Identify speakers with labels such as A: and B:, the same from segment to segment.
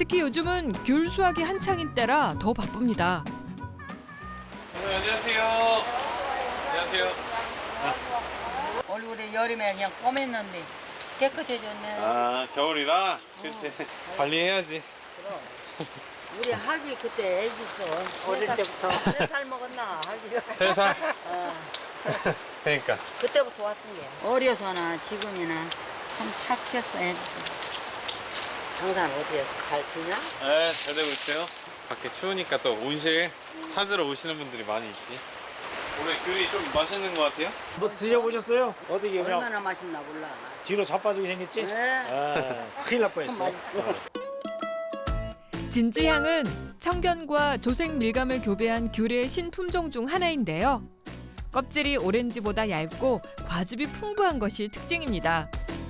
A: 특히 요즘은 귤 수확이 한창인 때라 더 바쁩니다.
B: 안녕하세요. 안녕하세요.
C: 얼굴에 여름에 그냥 꼬맸는데 깨끗해졌네.
B: 아, 겨울이라? 그치. 관리해야지.
C: 우리 하기 그때 애기 있어. 어릴 때부터. 3살 먹었나 하기가.
B: 3살? 그러니까.
C: 그때부터 왔은 게. 어려서나 지금이나 참 착했어 애들. 항상 어디에 잘 피냐?
B: 네, 잘 되고 있어요. 밖에 추우니까 또 온실 찾으러 오시는 분들이 많이 있지. 올해 귤이 좀 맛있는 것 같아요?
D: 뭐 드셔보셨어요? 어떻게 그냥
C: 얼마나 맛있나 몰라.
D: 뒤로 자빠지게 생겼지?
C: 네.
D: 아, 큰일 날 뻔했어.
A: 진지향은 청견과 조색 밀감을 교배한 귤의 신품종 중 하나인데요. 껍질이 오렌지보다 얇고 과즙이 풍부한 것이 특징입니다.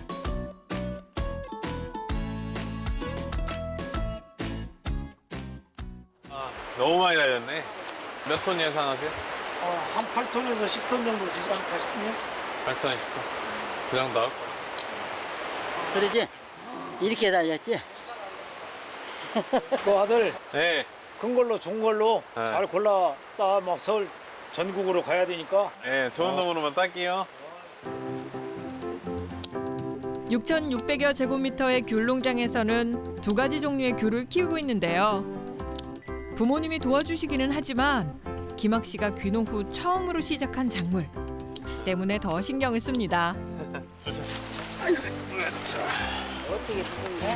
B: 아, 너무 많이 달렸네. 몇 톤 예상하세요?
D: 한 8톤에서 10톤 정도 되지 않을까 싶네요.
B: 8톤에 10톤. 그 정도?
C: 그러지? 이렇게 달렸지?
D: 그 아들
B: 네.
D: 큰 걸로 좋은 걸로
B: 네.
D: 잘 골랐다 막 서울 전국으로 가야 되니까
B: 네, 좋은 놈으로만 딸게요.
A: 6,600여 제곱미터의 귤 농장에서는 2가지 종류의 귤을 키우고 있는데요. 부모님이 도와주시기는 하지만 김학 씨가 귀농 후 처음으로 시작한 작물 때문에 더 신경을 씁니다.
C: 어떻게 죽은 거야?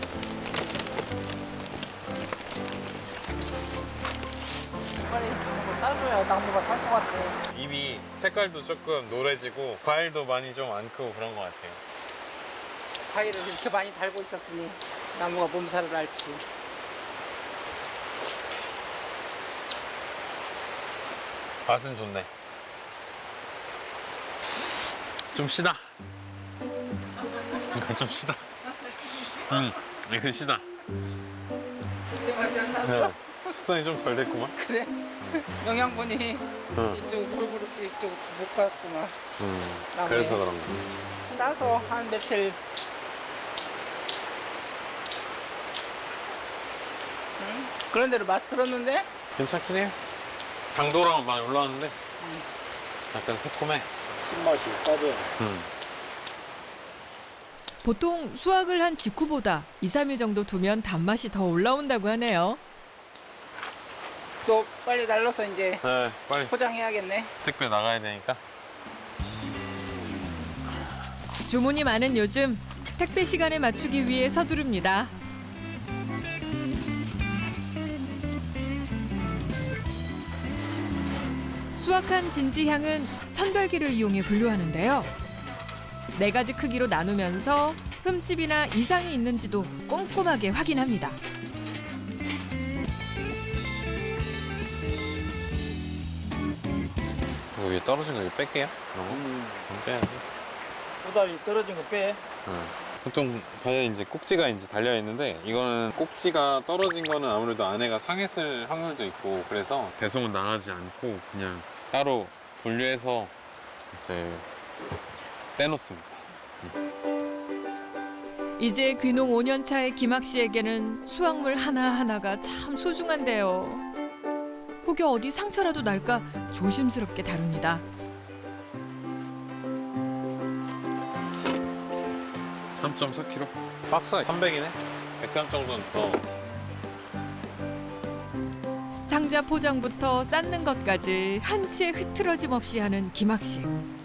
D: 빨리 따줘야 나무가 살 것 같아.
B: 잎이 색깔도 조금 노래지고 과일도 많이 좀 안 크고 그런 것 같아요.
E: 과일을 이렇게 많이 달고 있었으니 나무가 몸살을 앓지.
B: 맛은 좋네. 좀 시다. 이거 좀 시다. 이거 시다.
E: 제 맛이 안 났어?
B: 네. 숙성이 좀 덜 됐구만.
E: 그래? 영양분이
B: 응.
E: 이쪽 골고루 이쪽 못 갔구만. 나무에.
B: 그래서 그런 거.
E: 따서 한 며칠 그런 대로 맛 들었는데
B: 괜찮긴 해요. 당도랑은 많이 올라왔는데 약간 새콤해.
D: 신맛이 빠져.
A: 보통 수확을 한 직후보다 2, 3일 정도 두면 단맛이 더 올라온다고 하네요.
E: 또 빨리 날라서 이제
B: 네, 빨리
E: 포장해야겠네.
B: 택배 나가야 되니까.
A: 주문이 많은 요즘 택배 시간에 맞추기 위해 서두릅니다. 수확한 진지향은 선별기를 이용해 분류하는데요. 4가지 크기로 나누면서 흠집이나 이상이 있는지도 꼼꼼하게 확인합니다.
B: 이거 위에 떨어진 거 이거 뺄게요. 그런 거. 안 빼야지.
D: 꼬다리 떨어진 거 빼.
B: 보통 배에 이제 꼭지가 이제 달려 있는데 이거는 꼭지가 떨어진 거는 아무래도 안에가 상했을 확률도 있고 그래서 배송은 나가지 않고 그냥 따로 분류해서 이제 빼놓습니다.
A: 이제 귀농 5년 차의 김학 씨에게는 수확물 하나하나가 참 소중한데요. 혹여 어디 상처라도 날까 조심스럽게 다룹니다.
B: 3.4kg? 박스 300이네? 100g 정도는 더.
A: 상자 포장부터 쌓는 것까지 한치의 흐트러짐 없이 하는 김학 씨.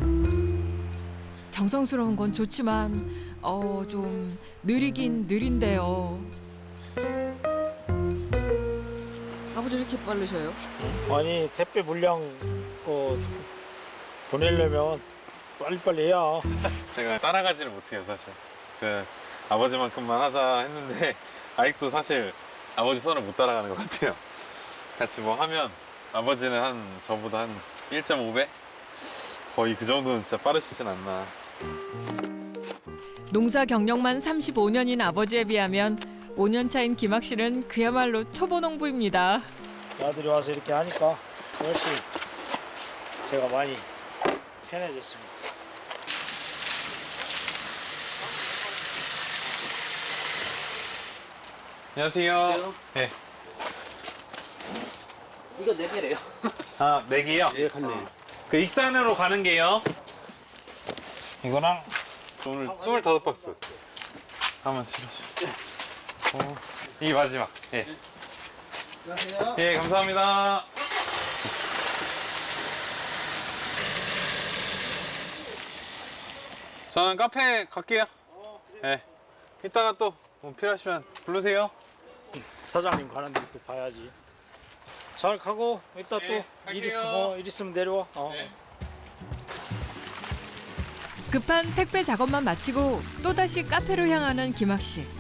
A: 정성스러운 건 좋지만 좀 느리긴 느린데요.
C: 아버지 이렇게 빠르셔요?
D: 아니 택배 물량 보내려면 빨리빨리 해야.
B: 제가 따라가지를 못해요 사실. 아버지만큼만 하자 했는데 아직도 사실 아버지 손을 못 따라가는 것 같아요. 같이 뭐 하면 아버지는 한 저보다 한 1.5배? 거의 그 정도는 진짜 빠르시진 않나.
A: 농사 경력만 35년인 아버지에 비하면 5년 차인 김학 씨는 그야말로 초보 농부입니다.
D: 아들이 와서 이렇게 하니까 역시 제가 많이 편해졌습니다.
B: 안녕하세요. 네.
D: 이거 4개래요.
B: 아, 4개요?
D: 예, 갔네.
B: 그 익산으로 가는 게요. 이거랑 오늘 25박스. 한번 실어줘. 이게 마지막. 예.
D: 안녕하세요.
B: 예, 감사합니다. 저는 카페 갈게요. 예. 이따가 또 뭐 필요하시면 부르세요.
F: 사장님 가는 데 또 봐야지. 잘 가고 이따
B: 네,
F: 또 일
B: 갈게요.
F: 있으면 내려와.
B: 네.
A: 급한 택배 작업만 마치고 또다시 카페로 향하는 김학 씨.